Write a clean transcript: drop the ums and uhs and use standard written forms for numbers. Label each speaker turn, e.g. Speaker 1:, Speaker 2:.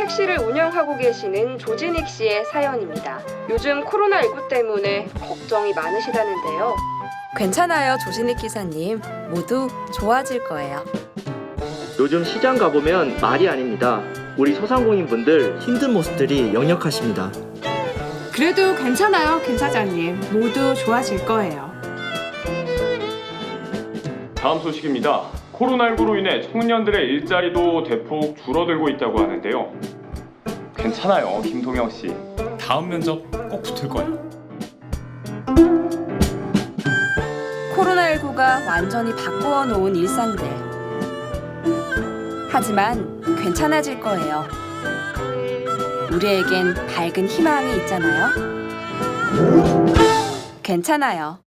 Speaker 1: 택시를 운영하고 계시는 조진익 씨의 사연입니다. 요즘 코로나19 때문에 걱정이 많으시다는데요.
Speaker 2: 괜찮아요, 조진익 기사님. 모두 좋아질 거예요.
Speaker 3: 요즘 시장 가보면 말이 아닙니다. 우리 소상공인분들 힘든 모습들이 역력하십니다.
Speaker 4: 그래도 괜찮아요, 김 사장님. 모두 좋아질 거예요.
Speaker 5: 다음 소식입니다. 코로나19로 인해 청년들의 일자리도 대폭 줄어들고 있다고 하는데요. 괜찮아요, 김동영 씨.
Speaker 6: 다음 면접 꼭 붙을 거예요.
Speaker 2: 코로나19가 완전히 바꾸어 놓은 일상들. 하지만 괜찮아질 거예요. 우리에겐 밝은 희망이 있잖아요. 괜찮아요.